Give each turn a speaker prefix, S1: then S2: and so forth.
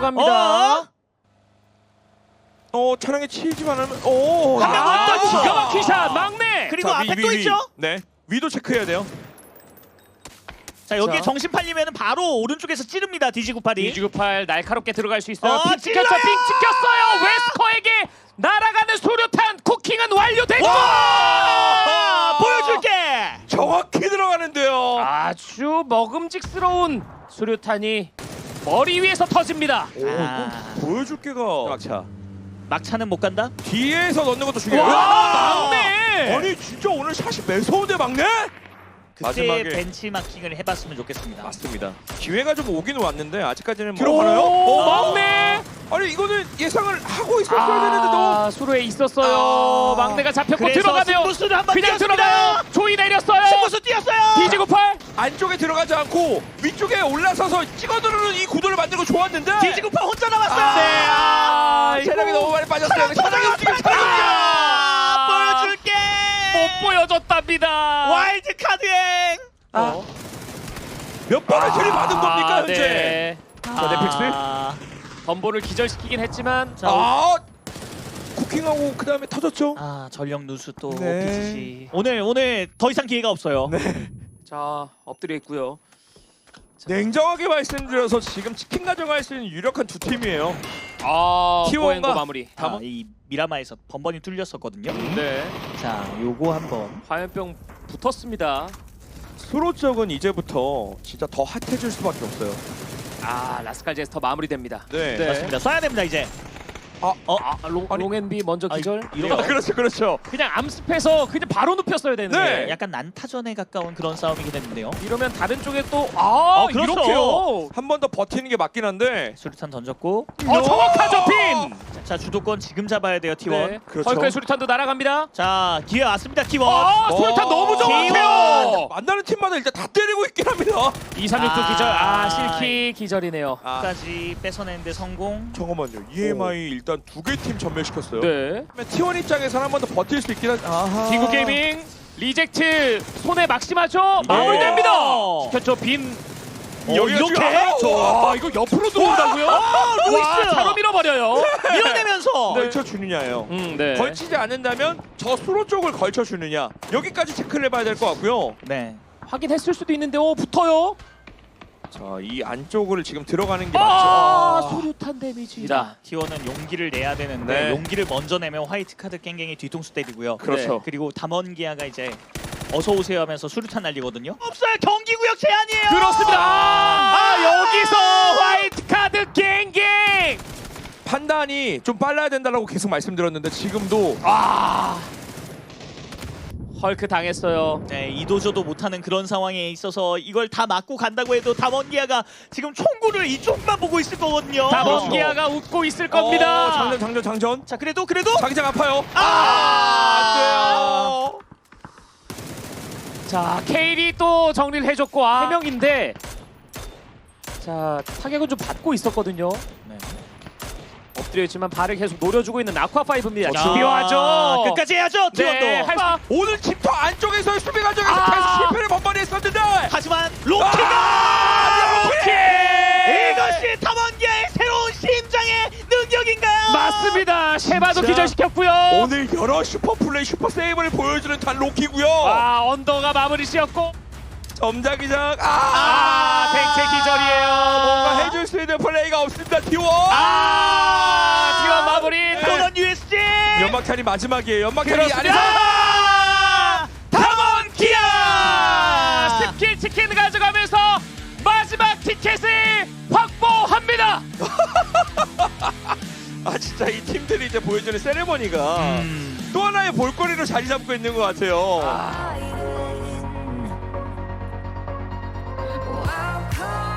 S1: 들어갑니다.
S2: 차량에 치이지만 않으면 오.
S1: 한 명은 또 기가 막힌 샷 막내.
S3: 그리고
S2: 자,
S3: 앞에 또 있죠?
S2: 네. 위도 체크해야 돼요.
S3: 자 여기에
S1: 자.
S3: 정신 팔리면은 바로 오른쪽에서 찌릅니다 디지98이.
S1: 디지98 날카롭게 들어갈 수 있어요. 핑
S3: 찔러요!
S1: 찍혔죠. 핑 찍혔어요. 웨스커에게 날아가는 수류탄 쿠킹은 완료됐고.
S3: 보여줄게.
S2: 정확히 들어가는데요.
S1: 아주 먹음직스러운 수류탄이 머리 위에서 터집니다.
S2: 오, 이거 보여줄게가 막차.
S3: 막차는 못 간다.
S2: 뒤에서 넣는 것도 중요해요.
S1: 와, 막내.
S2: 아니 진짜 오늘 샷이 매서운데 막내?
S3: 그때
S2: 마지막에.
S3: 벤치마킹을 해봤으면 좋겠습니다.
S2: 맞습니다. 기회가 좀 오긴 왔는데 아직까지는
S1: 들어가나요?
S2: 오,
S1: 막내.
S2: 아니 이거는 예상을 하고 있었어야 되는데도.
S1: 수로에 있었어요. 막내가 잡혔고
S3: 그래서
S1: 들어가네요.
S3: 승부수를 한번
S1: 그냥
S3: 띄웠습니다.
S1: 들어가요. 조이 내렸어요.
S3: 승부수 뛰었어요.
S1: 디지98.
S2: 안쪽에 들어가지 않고 위쪽에 올라서서 찍어 누르는 이 구도를 만들고 좋았는데
S3: 디지98 혼자 남았어요.
S1: 네. 아이고.
S2: 체력이 너무 많이 빠졌어요. 차량이 움직여.
S3: 보여줄게.
S1: 못 보여줬답니다.
S3: 와일드 카드행.
S2: 몇 번을 들이받은 겁니까 현재?
S1: 네.
S2: 자, 넷플릭스.
S1: 덤보를 기절시키긴 했지만
S2: 아 쿠킹하고 그 다음에 터졌죠.
S3: 전력 누수 또
S2: 네.
S3: BGG. 오늘 더 이상 기회가 없어요.
S1: 자 엎드려 있고요.
S2: 냉정하게 말씀드려서 지금 치킨 가져갈 수 있는 유력한 두 팀이에요.
S1: T1과
S2: T1과
S1: 마무리.
S3: 이 미라마에서 번번이 뚫렸었거든요.
S1: 네.
S3: 자, 요거 한번.
S1: 화염병 붙었습니다.
S2: 수로 쪽은 이제부터 진짜 더 핫해질 수밖에 없어요.
S1: 라스칼 제스터 마무리됩니다.
S2: 네.
S3: 맞습니다. 쏴야 됩니다 이제.
S2: 아니.
S1: 롱앤비 먼저 기절.
S3: 이런 거
S2: 그렇죠, 그렇죠.
S1: 그냥 암습해서 그냥 바로 눕혔어야 되는데
S2: 네.
S3: 약간 난타전에 가까운 그런 싸움이긴 했는데요.
S1: 이러면 다른 쪽에 또
S3: 그렇죠.
S1: 이렇게요.
S2: 한 번 더 버티는 게 맞긴 한데.
S3: 수류탄 던졌고.
S1: 정확하죠 핀.
S3: 자, 주도권 지금 잡아야 돼요 T1.
S1: 네.
S2: 그렇죠.
S1: 헐크의 수류탄도 날아갑니다.
S3: 자, 기회 왔습니다 T1.
S1: 수류탄 너무
S3: T1.
S1: 정확해요.
S2: 만나는 팀마다 일단 다 때리고 있긴 합니다.
S1: 236도 기절. 실키 기절이네요.
S3: 끝까지 뺏어내는데 성공.
S2: 잠깐만요. EMI 일단 두 개 팀 전멸시켰어요.
S1: 네.
S2: T1 입장에서는 한 번 더 버틸 수 있긴 한데.
S1: 디구 게이밍 리젝트 손에 막심하죠. 마무리됩니다. 시켰죠 빈.
S3: 이렇게?
S1: 와 이거 옆으로 들어온다고요?
S3: 루이스!
S1: 차로 밀어버려요.
S3: 밀어내면서.
S2: 걸쳐주느냐예요.
S1: 네.
S2: 걸치지 않는다면 저 수로 쪽을 걸쳐주느냐. 여기까지 체크를 해봐야 될 것 같고요.
S3: 네.
S1: 확인했을 수도 있는데 붙어요.
S2: 자, 이 안쪽을 지금 들어가는 게 맞죠.
S1: 수류탄 데미지.
S3: 자, T1은 용기를 내야 되는데
S2: 네.
S3: 용기를 먼저 내면 화이트 카드 깽깽이 뒤통수 때리고요.
S2: 그렇죠.
S3: 그리고 담원기아가 이제 어서 오세요 하면서 수류탄 날리거든요. 없어요. 경기 구역 제한이에요.
S1: 그렇습니다. 여기서 화이트 카드 갱갱.
S2: 판단이 좀 빨라야 된다고 계속 말씀드렸는데 지금도
S1: 헐크 당했어요.
S3: 네, 이도저도 못하는 그런 상황에 있어서 이걸 다 맞고 간다고 해도 담원기아가 지금 총구를 이쪽만 보고 있을 거거든요.
S1: 다mon기아가 웃고 있을 겁니다.
S2: 장전.
S3: 자, 그래도
S2: 자기장 아파요. 안 돼요.
S1: 자, 케일이 또 정리를 해줬고 3명인데 자, 타격은 좀 받고 있었거든요.
S3: 네.
S1: 엎드려 있지만 발을 계속 노려주고 있는 아쿠아5입니다.
S3: 자,
S1: 집요하죠.
S3: 끝까지 해야죠. T1도.
S1: 네, 할 수-
S2: 오늘 집터 안쪽에서의 수비 과정에서 계속 실패를 번번이 했었는데.
S3: 하지만 로키가
S1: 오케이.
S3: 이것이 담원기아의 새로운 심장의 능력인가요?
S1: 맞습니다. 셰바도
S2: 진짜.
S1: 기절시켰고요.
S2: 오늘 여러 슈퍼 플레이, 슈퍼 세이브를 보여주는 단 로키고요.
S1: 언더가 마무리 씌었고
S2: 점자기장.
S1: 탱체 기절이에요.
S2: 뭔가 해줄 수 있는 플레이가 없습니다. T1.
S1: T1 마무리.
S3: 도전 USG.
S2: 연막탄이 마지막이에요. 연막탄이
S1: 그렇습니다.
S2: 안에서.
S1: 담원기아 스킬 치킨 가져가면서 마지막 티켓을 확보합니다.
S2: 진짜 이 팀들이 이제 보여주는 세레머니가 또 하나의 볼거리로 자리 잡고 있는 것 같아요.
S4: Wild card.